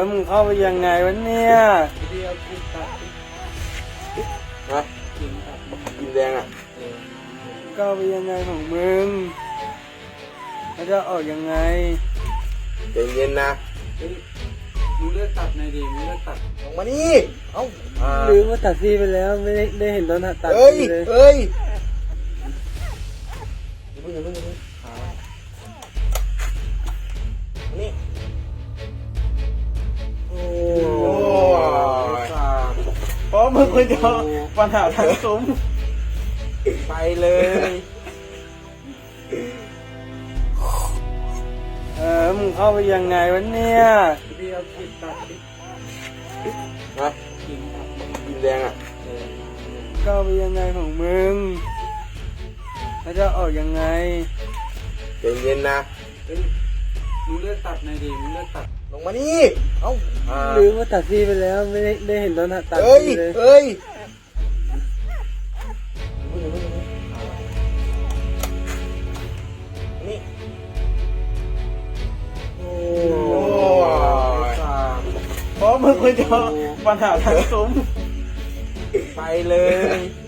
มึงเข้าไปยังไงวะเนี่ยเดียวกินตัดนะกินตัดกินแดงอ่ะเข้าไปยังไงของมึงแล้วจะออกยังไงใจเย็นนะมึงเลือกตัดหน่อยดิมึงเลือกตัดลงมานี่เอ้าลืมว่าตัดซี่ไปแล้วไม่ได้เห็นตอนตัดเอ้ยซี่เลยเอ้ยอย่าเพิ่งนี่โอ้เพราะมึงคนเดียวปัญหาทั้งซุ้มไปเลยมึงเข้าไปยังไงวะเนี่ยเดียวกินตัดนะกินตัดกินแดงอ่ะเข้าไปยังไงของมึงแล้วจะออกยังไงใจเย็นนะมึงเลือกตัดหน่อยดิมึงเลือกตัดลงมานี่เอ้าลืมว่าตัดซี่ไปแล้วไม่ได้เห็นตอนตัดเอ้ยซี่เลยเอ้ยนี่โอ้เพราะมึงคนเดียวปัญหาทั้งซุ้มไปเลย